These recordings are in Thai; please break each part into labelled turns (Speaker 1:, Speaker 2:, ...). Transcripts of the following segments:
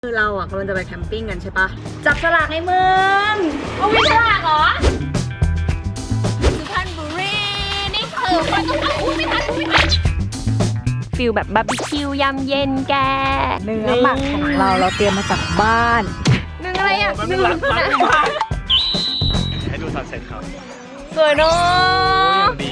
Speaker 1: คือเราอ่ะกำลังจะไปแคมปิ้งกันใช่ปะจับสลากในเมือง
Speaker 2: เอาไม่สลากเหรอสุพรรณบุรีนี่คือคนต้องเอาไม่ทันฟิลแบบบาร์บีคิวยำเย็นแก
Speaker 1: เนื้อหมักของเราเตรียมมาจากบ้าน
Speaker 2: หนึ่งอะไรอ่ะ
Speaker 3: มันเป็นรักให้ดูซันเซ็ตครับ
Speaker 2: สวยเนาะ
Speaker 3: ดี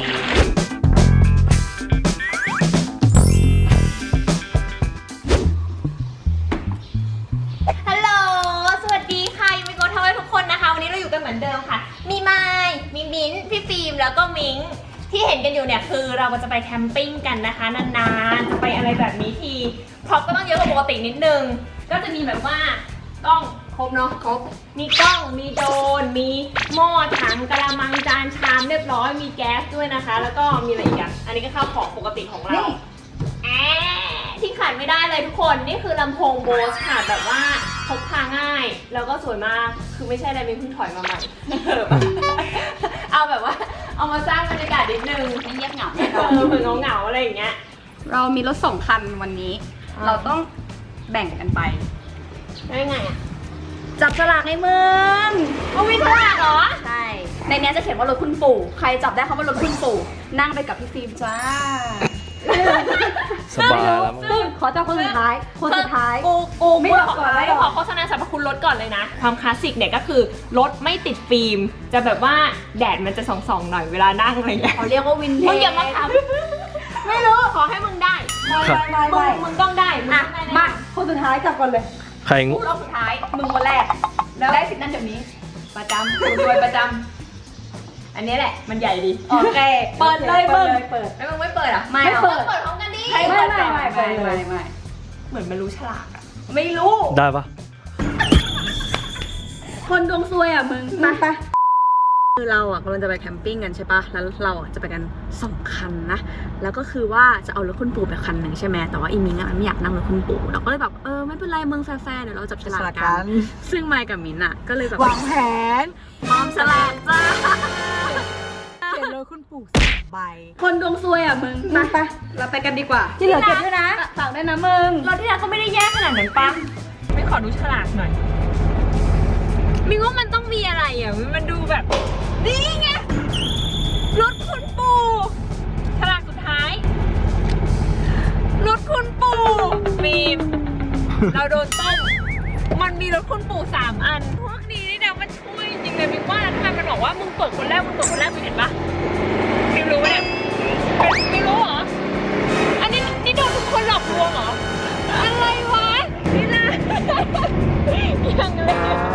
Speaker 2: ฮัลโหลสวัสดีค่ะยูมิโกะทาวเวอร์ทุกคนนะคะวันนี้เราอยู่กันเหมือนเดิมค่ะมีไมค์มีมิ้นท์พี่ฟิล์มแล้วก็มิงที่เห็นกันอยู่เนี่ยคือเราจะไปแคมปิ้งกันนะคะนานๆจะไปอะไรแบบนี้ทีพร็อพก็ต้องเยอะกว่าปกตินิดนึงก็จะมีแบบว่ากล้องครบเนาะครบมีกล้องมีโดรนมีหม้อถังกระมังจานชามเรียบร้อยมีแก๊สด้วยนะคะแล้วก็มีอะไรอีกอ่ะอันนี้ก็ข้าวของปกติของเราที่ขาดไม่ได้เลยทุกคนนี่คือลำโพงโบสค่ะแบบว่าพกพาง่ายแล้วก็สวยมากคือไม่ใช่อะไรมีเพิ่งถอยมาใหม่ เอาแบบว่าเอามาสร้างบรรยากาศนิดนึงให้เงียบเหงาเหมือนเหงาๆอะไรอย่างเงี้ย
Speaker 4: เรามีรถ2 คันวันนี้ เราต้องแบ่งกันไป
Speaker 2: ได้ไงอ่ะ
Speaker 1: จับสลากในเมือง
Speaker 2: เอามีสลากเหรอ
Speaker 4: ใช่ ในนี้จะเขียนว่ารถคุณปู่ ใครจับได้เขาว่ารถคุณปู่ นั่งไปกับพี่ฟิล์มจ้า
Speaker 3: สบายแล้วมั้ง
Speaker 4: ซึ่งขอจับคนสุดท้าย คนสุดท้าย
Speaker 2: กูไม่
Speaker 4: ไม่
Speaker 2: ข
Speaker 4: บอกก่อนไม่
Speaker 2: ไม่
Speaker 4: บอก
Speaker 2: ขอโฆษณาสรรพคุณรถก่อนเลยนะความคลาสสิกเนี่ยก็คือรถไม่ติดฟิล์มจะแบบว่าแดดมันจะส่องๆหน่อยเวลานั่งอะไรอย่างเงี้ย
Speaker 4: เขาเรียกว่าวินเทจ
Speaker 2: มึงอย่ามาทำไม่รู้ขอให้มึงได้มึงต้องได้มึง
Speaker 4: อ่ะ
Speaker 2: ต้องได้
Speaker 4: มา คนสุดท้ายจับก่อนเลย
Speaker 3: ใครงู
Speaker 4: พูดรอบสุดท้าย มึงคนแรก แล้วได้สิทธิ์นั้นเดี๋ยวนี้
Speaker 2: ประจำกูรวยประจำอันนี้แหละมันใหญ่ดี
Speaker 4: โอเค
Speaker 2: เปิดเลยมึง
Speaker 4: เปิด
Speaker 2: แล้วมึงไม่เปิดอ่ะ
Speaker 4: ไม่
Speaker 2: เปิ
Speaker 4: เปิ
Speaker 2: ด
Speaker 4: ด
Speaker 2: เปิดพร้อมกันดิ
Speaker 4: ไม่
Speaker 2: เหมือนมันรู้ฉลากอ่ะ
Speaker 4: ไม่รู้
Speaker 3: ได้ปะ
Speaker 4: คนดวงซวยอ่ะมึงไป
Speaker 1: คือเราอ่ะกำลังจะไปแคมปิ้งกันใช่ปะแล้วเราอ่ะจะไปกัน2 คันนะแล้วก็คือว่าจะเอารถคุณปู่ไปคันหนึ่งใช่ไหมแต่ว่าอีมิงอ่ะไม่อยากนั่งรถคุณปู่เราก็เลยแบบไม่เป็นไรมึงแฟร์ๆเดี๋ยวเราจับฉลากกันซึ่งไมค์กับมินอ่ะก็เลยแบบวางแผนพร้อมฉลากจ้าเขียนรถคุณปู่2 ใบ
Speaker 4: คนดวงซวยอ่ะมึงไปเราไปกันดีกว่า ที่เหลือเก็บด้วยนะฝากด้วยนะมึง
Speaker 2: รถที่แล้วก็ไม่ได้แย่ขนาดนั้นปั๊มไม่ขอดูฉลากหน่อยมิงว่ามันต้องมีอะไรอ่ะมันดูแบบนี่ไงรถคุณปู่ฉลากสุดท้ายรถคุณปู่ฟิล์มเราโดนต้มมันมีรถคุณปู่3 อันพวกนี้นี่นะมันช่วยจริงๆเลยมิงว่าทำไมมันบอกว่ามึงเปิดคนแรกมึงเห็นปะมิงรู้ไหมเนี่ยไม่รู้เหรออันนี้นี่โดนทุกคนหลอกลวงเหรออะไรวะนี่นะยังเลย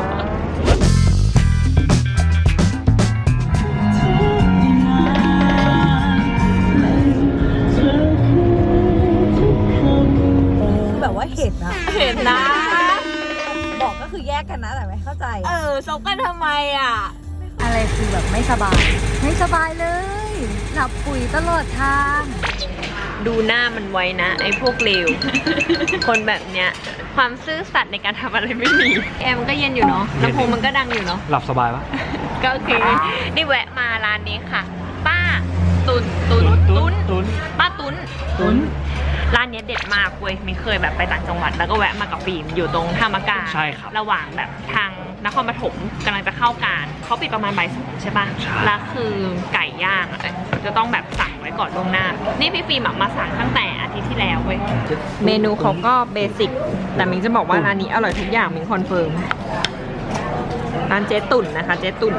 Speaker 1: แบบว่าเห็นนะ
Speaker 2: เห็นนะ
Speaker 1: บอกก็คือแยกกันนะแต่ไม่เข้าใจ
Speaker 2: ซบกันทำไมอ่ะ
Speaker 1: อะไรคือแบบไม่สบาย ไม่สบายเลยหลับปุ๋ยตลอดทาง
Speaker 2: ดูหน้ามันไว้นะ ไอ้พวกเลว คนแบบเนี้ย ความซื่อสัตย์ในการทำอะไรไม่มีแอร์มันก็เย็นอยู่เนาะลำโพงมันก็ดังอยู่เนาะ
Speaker 3: หลับสบายปะ
Speaker 2: ก็โอเค นี่แวะมาร้านนี้ค่ะ ป้าตุน ป้าตุนร้านเนี้ยเด็ดมากเว้ยมินเคยแบบไปต่างจังหวัดแล้วก็แวะมากับฟิล์มอยู่ตรงท่ามะกา
Speaker 3: ใช่ครับ
Speaker 2: ระหว่างแบบทางนครปฐมกำลังจะเข้าการเขาปิดประมาณบ่าย 2ใช่ปะแล้วคือไก่ย่างอะจะต้องแบบสั่งไว้ก่อนล่วงหน้า นี่พี่ฟิล์มอะมาสั่งตั้งแต่อาทิตย์ที่แล้วเว้ยเมนูเขาก็เบสิกแต่มิงจะบอกว่าร้านนี้อร่อยทุกอย่างมิงคอนเฟิร์มร้านเจ๊ตุ่นนะคะเจ๊ตุ่น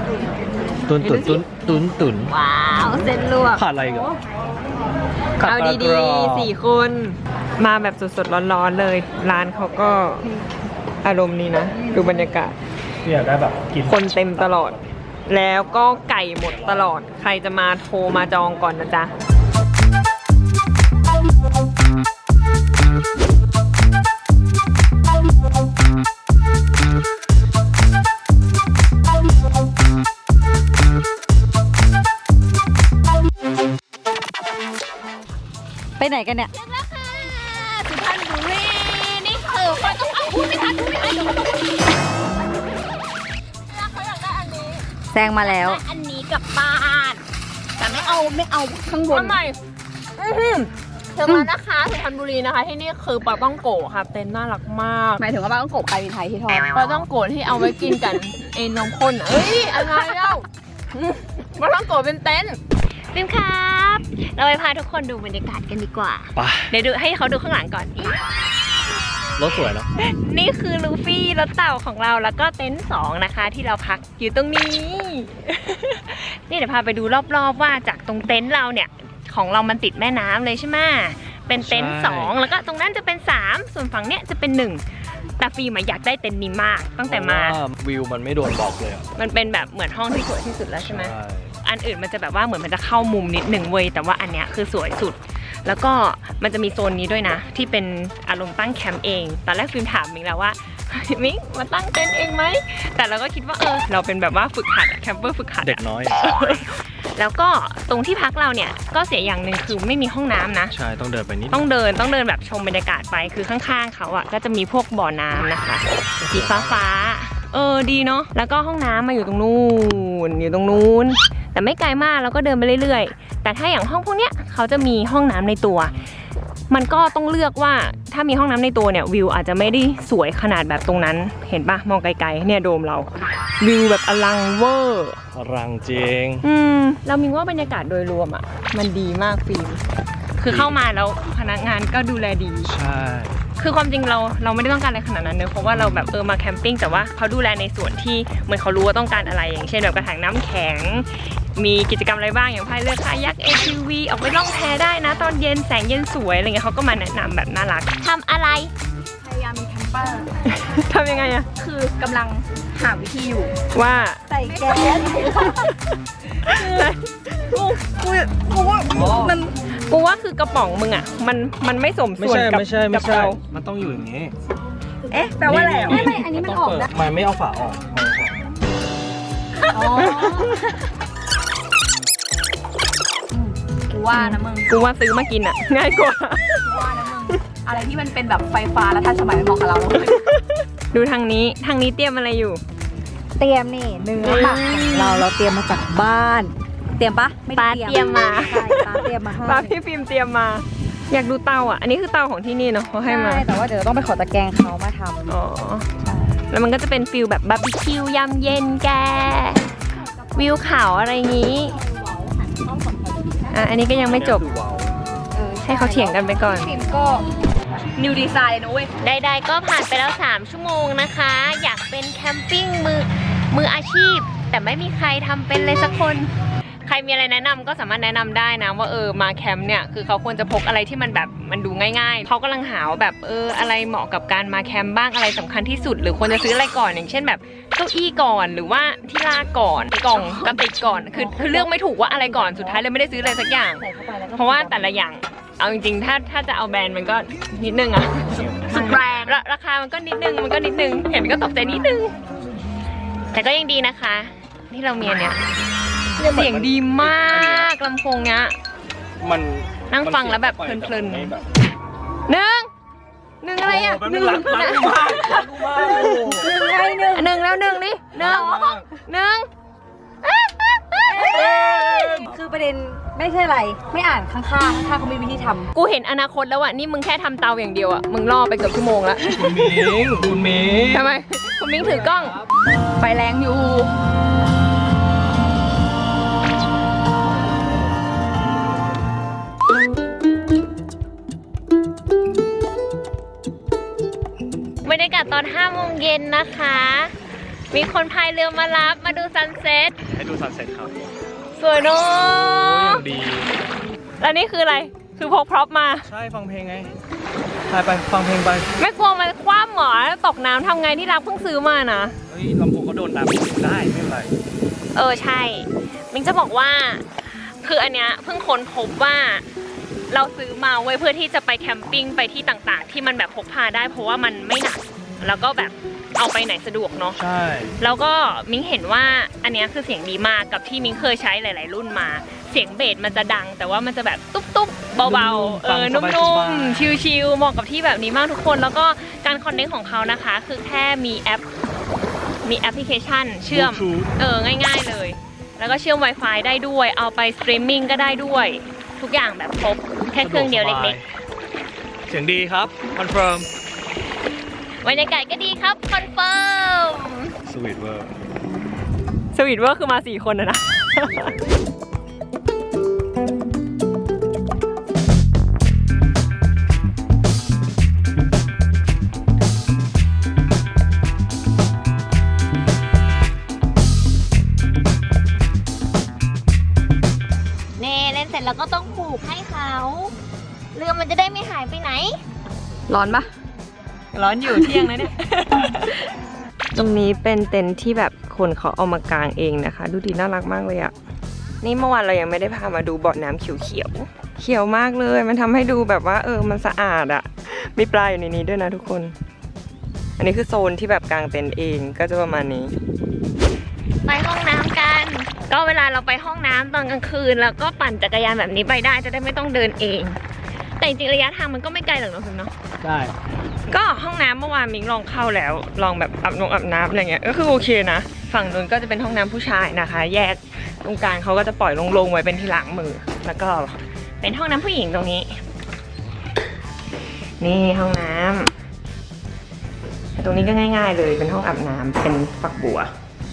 Speaker 3: ตุน
Speaker 2: ว้าวเส้นลวก
Speaker 3: ขาดอะไรกัน
Speaker 2: เอาดีๆ4 คนมาแบบสดๆร้อนๆเลย ร้านเขาก็อารมณ์นี้นะ ดูบรรยากาศ
Speaker 3: อยากได้แบบกิน
Speaker 2: คนเต็มตลอด แล้วก็ไก่หมดตลอด ใครจะมาโทรมาจองก่อนนะจ๊ะ
Speaker 1: ไปไหนกันเนี่ย
Speaker 2: สุพรรณบุรีนี่คือคนต้องเอาพูดไม่ทันเขาอยากได้อันนี้
Speaker 1: แซงมาแล้ว
Speaker 2: อันนี้กลับบ้าน แต่ไม่เอาข้างบนทำไมถึงแล้วนะคะสุพรรณบุรีนะคะที่นี่คือปลาต้องโกะค่ะเต็นท์น่ารักมาก
Speaker 4: หมายถึงว่าบ้านต้องโกบไก่ไทยที่ทอด
Speaker 2: ปลาต้องโกะที่เอาไว้กินกันเอ็นนมข้นอะเอ้ยอะไรเล่าปลาต้องโกะเป็นเต็นท์บิมครับ เราไปพาทุกคนดูบรรยากาศกันดีกว่า
Speaker 3: ไป
Speaker 2: เดี๋ยวดูให้เขาดูข้างหลังก่อน
Speaker 3: รถสวยเนาะ
Speaker 2: นี่คือลูฟี่รถเต่าของเราแล้วก็เต็นท์2นะคะที่เราพักอยู่ตรงนี้ นี่เดี๋ยวพาไปดูรอบๆว่าจากตรงเต็นท์เราเนี่ยของเรามันติดแม่น้ำเลยใช่ไหมเป็นเต็นท์2แล้วก็ตรงนั้นจะเป็น3ส่วนฝั่งเนี้ยจะเป็น1แต่ฟิล์มอยากได้เต็นท์นี้มากตั้งแต่มา
Speaker 3: เพระว่วิวมันไม่โดนบล็อกเลยอะ
Speaker 2: มันเป็นแบบเหมือนห้องที่สวยที่สุดแล้วใช่ไหม
Speaker 3: ใช่
Speaker 2: อันอื่นมันจะแบบว่าเหมือนมันจะเข้ามุมนิดหนึ่งเว้ยแต่ว่าอันเนี้ยคือสวยสุดแล้วก็มันจะมีโซนนี้ด้วยนะที่เป็นอารมณ์ตั้งแคมป์เองตอนแรกฟิล์มถามมิงแล้วว่า มิงมาตั้งเต็นท์เองไหมแต่เราก็คิดว่าเราเป็นแบบว่าฝึกหัดอะแคมเปอร์ฝึกหัดอะ
Speaker 3: เด็กน้อย
Speaker 2: แล้วก็ตรงที่พักเราเนี่ยก็เสียอย่างหนึ่งคือไม่มีห้องน้ำนะ
Speaker 3: ใช่ต้องเดินไปนิด
Speaker 2: ต้องเดินแบบชมบรรยากาศไปคือข้างๆเขาอ่ะก็จะมีพวกบ่อน้ำนะคะสีฟ้าดีเนาะแล้วก็ห้องน้ำมาอยู่ตรงนู้นแต่ไม่ไกลมากแล้วก็เดินไปเรื่อยๆแต่ถ้าอย่างห้องพวกเนี้ยเขาจะมีห้องน้ำในตัว มันก็ต้องเลือกว่าถ้ามีห้องน้ำในตัวเนี่ยวิวอาจจะไม่ได้สวยขนาดแบบตรงนั้นเห็นปะมองไกลๆเนี่ยโดมเราวิวแบบอลังเวอร์
Speaker 3: รังจริง
Speaker 2: เรามีว่าบรรยากาศโดยรวมอ่ะมันดีมากฟิล์มคือเข้ามาแล้วพนักงานก็ดูแลดี
Speaker 3: ใช่
Speaker 2: คือความจริงเราไม่ได้ต้องการอะไรขนาดนั้นเนอะเพราะว่าเราแบบมาแคมปิ้งแต่ว่าเขาดูแลในส่วนที่เหมือนเขารู้ว่าต้องการอะไรอย่างเช่นแบบกระถางน้ำแข็งมีกิจกรรมอะไรบ้างอย่างพายเรือคายัก ATV ออกไปล่องแพได้นะตอนเย็นแสงเย็นสวยอะไรเงี้ยเขาก็มาแนะนำแบบน่ารักทำอะไร
Speaker 4: พยายามมีแคมเปอร์
Speaker 2: ทำยังไงอะ
Speaker 4: คือกำลังหาวิธีอยู่
Speaker 2: ว่า
Speaker 4: ใส่แก๊ส
Speaker 2: กูว่าคือกระป๋องมึงอะมันไม่สม
Speaker 3: ไม่
Speaker 2: ส่วน
Speaker 3: ใช่
Speaker 2: กับ
Speaker 3: ไม่ใช่
Speaker 2: กั
Speaker 3: ไม่
Speaker 2: บ
Speaker 3: ใช่
Speaker 2: เรา
Speaker 3: มันต้องอยู่อย่างนี้
Speaker 4: เอ๊ะแปลว่าอะไรอ่ะ
Speaker 3: นี่
Speaker 4: ไม่อันนี้มันออก
Speaker 3: ต้ง
Speaker 4: ได้
Speaker 3: เปิดมันไม่เอาฝาออก
Speaker 4: อ๋อกูว่านะมึง
Speaker 2: กูว่าซื้อมากินอะง่ายกว่า
Speaker 4: กูว่านะมึงอะไรที่มันเป็นแบบไฟฟ้าแล้วทันสมัยมันเหมาะกับเราแล้วเว้ย
Speaker 2: ดูทางนี้เตรียมอะไรอยู่
Speaker 5: เตรียมนี่เนื้อหมักของเราเตรียมมาจากบ้าน เตรียมปะไม่ได้
Speaker 2: ป้าเตรียมมา
Speaker 5: ใช่ป้าเตรียมมาให้
Speaker 2: ป้าพี่ฟิล์มเตรียมมา อยากดูเตาอ่ะ อันนี้คือเตาของที่นี่เนาะเขาให้มา
Speaker 5: ใช่แต่ว่าเดี๋ยวต้องไปขอตะแกรงเขามาทำ
Speaker 2: อ๋อ แล้วมันก็จะเป็นฟิลแบบบาร์บีคิวยำเย็นแก วิวเขาอะไรงี้ อันนี้ก็ยังไม่จบ ให้เขาเถียงกันไปก่อน
Speaker 4: ฟิล์มก็นิวดีไซน์เลยนะเว้ย
Speaker 2: ใดๆก็ผ่านไปแล้ว3ชั่วโมงนะคะ อยากเป็นแคมปิ้งมืออาชีพ แต่ไม่มีใครทำเป็นเลยสักคน ใครมีอะไรแนะนำก็สามารถแนะนำได้นะว่ามาแคมป์เนี่ยคือเขาควรจะพกอะไรที่มันแบบมันดูง่ายๆเขากำลังหาว่าแบบอะไรเหมาะกับการมาแคมป์บ้างอะไรสำคัญที่สุด หรือควรจะซื้ออะไรก่อนอย่างเช่นแบบเก้าอี้ก่อนหรือว่าที่ลากก่อนกล่องกระติกก่อนคือเลือกไม่ถูกว่าอะไรก่อนสุดท้ายเลยไม่ได้ซื้ออะไรสักอย่าง
Speaker 5: ใส่เข้าไปแล้วก็
Speaker 2: เพราะว่าแต่ละอย่างเอาจริงๆถ้าจะเอาแบรนด์มันก็นิดนึงอะ
Speaker 4: สุดแบรนด์
Speaker 2: ราคามันก็นิดนึงเห็นก็ตกใจนิดนึงแต่ก็ยังดีนะคะที่เรามีอันเนี้ยเสียงดีมากลำโพงเนี้ย
Speaker 3: มัน
Speaker 2: นั่งฟังแล้วแบบเพลินๆหนึ่งอะไรอ่ะ
Speaker 3: หนึ่งรักกูมากรักกูมาก
Speaker 2: หนึ่งแล้วหนึ่งนี่หนึ่ง
Speaker 5: คือประเด็นไม่ใช่อะไร ไม่อ่านข้างๆเขามีวิธีทำ
Speaker 2: กูเห็นอนาคตแล้วอะนี่มึงแค่ทำเตาอย่างเดียวอะมึงล่อไปเกือบชั่วโมงแล้ว
Speaker 3: คุณมิง
Speaker 2: ทำไมคุณมิ้งถือกล้อง
Speaker 4: ไฟแรงอยู่
Speaker 2: บรรยากาศตอน5 โมงเย็นนะคะ มีคนพายเรือมารับมาดูซันเซ็ต
Speaker 3: ให้ดูซันเซ็ตครับ
Speaker 2: สวยเนอะ
Speaker 3: ดี
Speaker 2: แล้วนี่คืออะไร คือพกพร็อพมา
Speaker 3: ใช่ฟังเพลงไงไปฟังเพลงไป
Speaker 2: ไม่กลัวมันคว่ำหรอตกน้ำทำไงที่รับเพิ่งซื้อมานะ
Speaker 3: เฮ้ยลำโพงก็โดนน้ำได้ไม่เป็นไร
Speaker 2: ใช่ มิ้งจะบอกว่า คืออันเนี้ยเพิ่งค้นพบว่า เราซื้อมาไว้เพื่อที่จะไปแคมปิ้งไปที่ต่างๆ ที่มันแบบพกพาได้เพราะว่ามันไม่หนัก แล้วก็แบบเอาไปไหนสะดวกเนาะ
Speaker 3: ใช่
Speaker 2: แล้วก็มิ้งเห็นว่าอันเนี้ยคือเสียงดีมากกับที่มิ้งเคยใช้หลาย ๆ รุ่นมา เสียงเบสมันจะดัง แต่ว่ามันจะแบบตุ๊บๆเบาๆนุ่มๆชิลๆเหมาะกับที่แบบนี้มากทุกคน แล้วก็การคอนเนคของเขานะคะ คือแค่มีแอปพลิเคชันเชื่อมง่ายๆเลย แล้วก็เชื่อม Wi-Fi ได้ด้วยเอาไปสตรีมมิ่งก็ได้ด้วยทุกอย่างแบบครบแค่เครื่องเดียวเล็ก
Speaker 3: ๆเสียงดีครับคอนเฟิร์ม
Speaker 2: ๆบรรยากาศก็ดีครับคอนเฟิร์ม
Speaker 3: สวีทเวอร์
Speaker 2: สวีทเวอร์คือมา4 คนนะ เน่เล่นเสร็จแล้วก็ต้องผูกให้เขาเรือมันจะได้ไม่หายไปไหน
Speaker 1: ร้อนปะ
Speaker 2: ร้อนอยู่เที่ยงนะเนี่ย ตรงนี้เป็นเต็นท์ที่แบบคนเขาเอามากางเองนะคะ ดูดีน่ารักมากเลยอะนี่เมื่อวานเรายังไม่ได้พามาดูเบาะน้ำเขียวๆ เขียวมากเลย มันทำให้ดูแบบว่ามันสะอาดอะมีปลาอยู่ในนี้ด้วยนะทุกคน อันนี้คือโซนที่แบบกางเต็นท์เองก็จะประมาณนี้ ไปห้องน้ำกัน ก็เวลาเราไปห้องน้ำตอนกลางคืนแล้วก็ปั่นจักรยานแบบนี้ไปได้จะได้ไม่ต้องเดินเอง แต่จริงๆระยะทางมันก็ไม่ไกลหรอกเนาะคุณเนาะ
Speaker 3: ใช่
Speaker 2: ก็ห้องน้ำเมื่อวานมิงลองเข้าแล้วลองแบบอาบน้ำอะไรเงี้ยก็คือโอเคนะฝั่งนู้นก็จะเป็นห้องน้ำผู้ชายนะคะ แยกตรงกลางเขาก็จะปล่อยลงๆไว้เป็นที่ล้างมือ แล้วก็เป็นห้องน้ำผู้หญิงตรงนี้ นี่ห้องน้ำตรงนี้ก็ง่ายๆเลยเป็นห้องอาบน้ำเป็นฝักบัว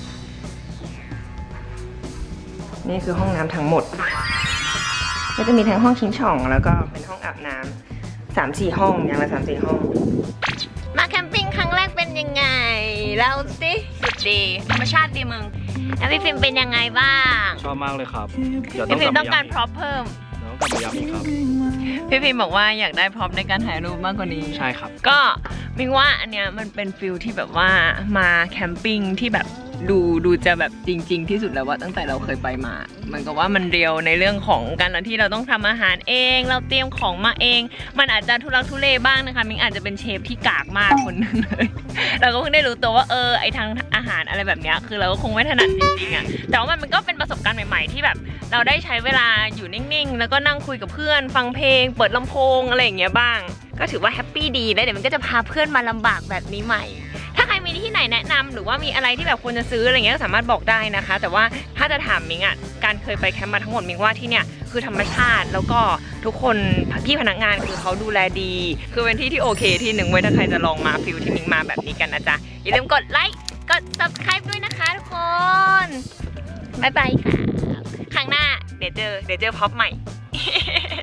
Speaker 2: นี่คือห้องน้ำทั้งหมดก็จะมีทั้งห้องชิงช่องแล้วก็เป็นห้องอาบน้ำ3-4 ห้องอย่างละ3-4 ห้อง มาแคมปิ้งครั้งแรกเป็นยังไงเล่าสิสุดดีธรรมชาติดีมึงแล้วพี่ฟิล์มเป็นยังไงบ้าง
Speaker 3: ชอบมากเลยครับเดี๋ยว
Speaker 2: พี่ฟิล์ม
Speaker 3: กลั
Speaker 2: ต้องการ
Speaker 3: บ
Speaker 2: พร็อพเพิ่ม
Speaker 3: ต้องกลับมาย้ำอีกครับ
Speaker 2: พี่ฟิล์มบอกว่าอยากได้พร็อพในการถ่ายรูปมากกว่านี้
Speaker 3: ใช่ครับ
Speaker 2: ก็มิงว่าอันเนี้ยมันเป็นฟิลที่แบบว่ามาแคมปิ้งที่แบบดูจะแบบจริง ๆ ที่สุดแล้วว่าตั้งแต่เราเคยไปมา มันก็ว่ามันเรียวในเรื่องของการที่เราต้องทำอาหารเอง เราเตรียมของมาเอง มันอาจจะทุลักทุเลบ้างนะคะมิงอาจจะเป็นเชฟที่กากมากคนนึงเลย เราก็เพิ่งได้รู้ตัวว่าไอทางอาหารอะไรแบบเนี้ยคือเราก็คงไม่ถนัดจริงๆอะแต่ว่ามันก็เป็นประสบการณ์ใหม่ๆที่แบบ เราได้ใช้เวลาอยู่นิ่งๆแล้วก็นั่งคุยกับเพื่อน ฟังเพลง เปิดลำโพงอะไรอย่างเงี้ยบ้าง ก็ถือว่าแฮปปี้ดีแล้วเดี๋ยวมันก็จะพาเพื่อนมาลำบากแบบนี้ใหม่ ถ้าใครมีที่ไหนแนะนำหรือว่ามีอะไรที่แบบควรจะซื้ออะไรเงี้ยก็สามารถบอกได้นะคะ แต่ว่าถ้าจะถามมิงอ่ะการเคยไปแคมป์มาทั้งหมดมิงว่าที่เนี่ยคือธรรมชาติแล้วก็ทุกคนพี่พนักงานคือเขาดูแลดี คือเป็นที่ที่โอเคที่หนึ่งไว้ถ้าใครจะลองมาฟิลที่มิงมาแบบนี้กันนะจ๊ะอย่าลืมกดไลค์กด subscribe ด้วยนะคะทุกคนบ๊ายบายค่ะครั้งหน้าเดี๋ยวเจอพ็อปใหม่